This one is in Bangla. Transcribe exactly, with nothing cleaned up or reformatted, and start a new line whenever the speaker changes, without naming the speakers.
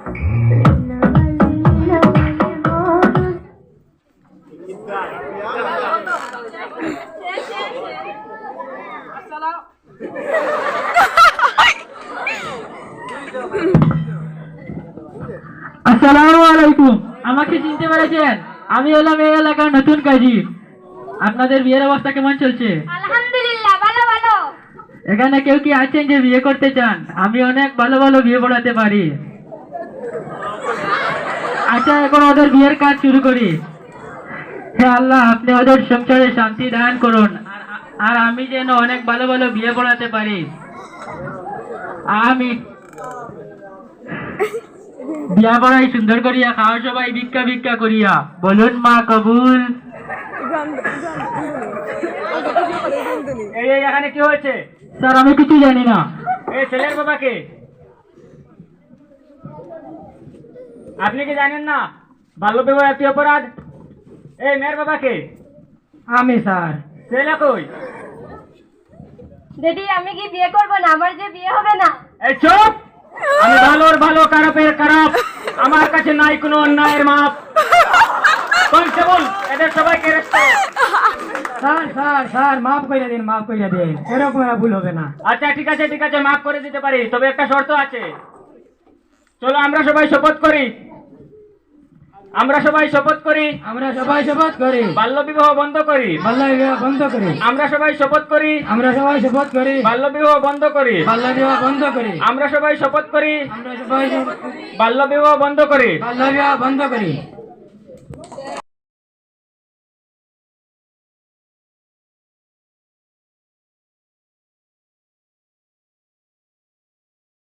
আসসালামু আলাইকুম। আমাকে চিনতে পেরেছেন? আমি হলাম এই এলাকার নতুন কাজী। আপনাদের বিয়ের অবস্থা কেমন চলছে?
আলহামদুলিল্লাহ, ভালো ভালো।
এখানে কেউ কি আছেন যে বিয়ে করতে চান? আমি অনেক ভালো ভালো বিয়ে পড়াতে পারি। আচ্ছা, এখন ওদের বিয়ের কাজ শুরু করি। হে আল্লাহ, আপনি ওদের সংসারে শান্তি দান করুন, আর আর আমি যেন অনেক ভালো ভালো বিয়ে পড়াতে পারি। আমি বিয়া পড়াই সুন্দর করিয়া, খাওয়া সবাই ভিক্ষা ভিক্ষা করিয়া। বলুন মা কবুল।
এই এই এখানে কি হয়েছে?
স্যার, আমি কিছু জানি না।
এই ছেলের বাবাকে আপনি কি জানেন না বাল্য বিবাহ একটি অপরাধ? এই মেয়ের বাবাকে?
আমি স্যার।
ছেলে কই?
দিদি, আমি কি বিয়ে করবো না? আমার যে বিয়ে হবে না।
এই চুপ! আমি ভালোর ভালো, খারাপের খারাপ। আমার কাছে নাই কোনো অন্যায়ের মাপ। কনস্টেবল, এদের সবাইকে অ্যারেস্ট করো।
স্যার স্যার স্যার মাফ করে দিন, মাফ করে দিন। এরকম আর ভুল হবে না।
আচ্ছা, ঠিক আছে ঠিক আছে, মাফ করে দিতে পারি, তবে একটা শর্ত আছে। চলো আমরা সবাই শপথ করি। আমরা সবাই শপথ করি
আমরা সবাই শপথ করি
বাল্য বিবাহ বন্ধ করি।
বাল্য বিবাহ বন্ধ করি।
আমরা সবাই শপথ করি
আমরা সবাই শপথ করি
বাল্য বিবাহ বন্ধ করি।
বাল্য বিবাহ বন্ধ করি।
আমরা সবাই শপথ করি
আমরা সবাই শপথ করি
বাল্য বিবাহ বন্ধ করি।
বাল্য বিবাহ বন্ধ করি।